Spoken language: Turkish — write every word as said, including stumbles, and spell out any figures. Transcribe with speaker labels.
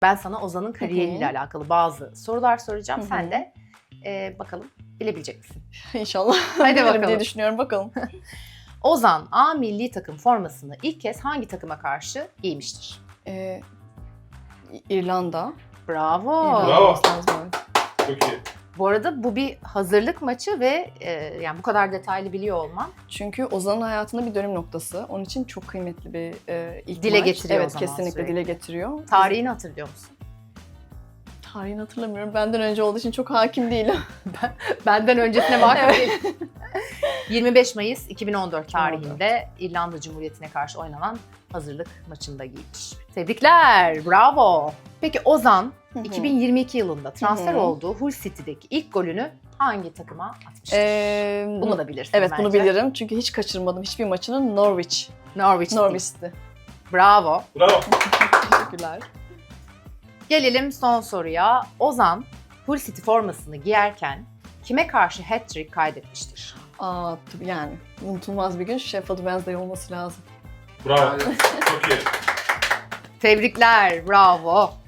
Speaker 1: Ben sana Ozan'ın kariyeriyle
Speaker 2: Hı hı.
Speaker 1: alakalı bazı sorular soracağım.
Speaker 2: Hı hı.
Speaker 1: Sen de e, bakalım bilebilecek misin?
Speaker 2: İnşallah.
Speaker 1: Hadi
Speaker 2: Bilirim
Speaker 1: bakalım.
Speaker 2: diye düşünüyorum. Bakalım.
Speaker 1: Ozan A milli takım formasını ilk kez hangi takıma karşı giymiştir?
Speaker 2: Ee, İrlanda.
Speaker 1: Bravo.
Speaker 2: İrlanda
Speaker 3: Bravo.
Speaker 2: olması lazım, evet.
Speaker 3: Çok iyi.
Speaker 1: Bu arada bu bir hazırlık maçı ve e, yani bu kadar detaylı biliyor olman
Speaker 2: Çünkü Ozan'ın hayatında bir dönüm noktası. Onun için çok kıymetli bir e, ilk
Speaker 1: Dile
Speaker 2: maç.
Speaker 1: getiriyor o
Speaker 2: Evet,
Speaker 1: zaman
Speaker 2: kesinlikle
Speaker 1: sürekli.
Speaker 2: dile getiriyor.
Speaker 1: tarihini hatırlıyor musun?
Speaker 2: Tarihini hatırlamıyorum. Benden önce olduğu için çok hakim değilim.
Speaker 1: Benden öncesine vakıf değilim. yirmi beş Mayıs iki bin on dört tarihinde İrlanda Cumhuriyeti'ne karşı oynanan hazırlık maçında giymiş. Tebrikler, bravo. Peki Ozan iki bin yirmi iki yılında transfer
Speaker 2: Hı hı.
Speaker 1: olduğu Hull City'deki ilk golünü hangi takıma atmıştır?
Speaker 2: Ee,
Speaker 1: Bunu da bilirsin
Speaker 2: Evet,
Speaker 1: bence.
Speaker 2: bunu bilirim. Çünkü hiç kaçırmadım hiçbir maçını. Norwich.
Speaker 1: Norwich City.
Speaker 2: Norwich'ti.
Speaker 1: Bravo.
Speaker 3: Bravo.
Speaker 2: Teşekkürler.
Speaker 1: Gelelim son soruya. Ozan Hull City formasını giyerken kime karşı hat-trick kaydetmiştir?
Speaker 2: Aa, tabii yani unutulmaz bir gün. Sheffield Wednesday olması lazım.
Speaker 3: Bravo. Çok iyi.
Speaker 1: Tebrikler, bravo.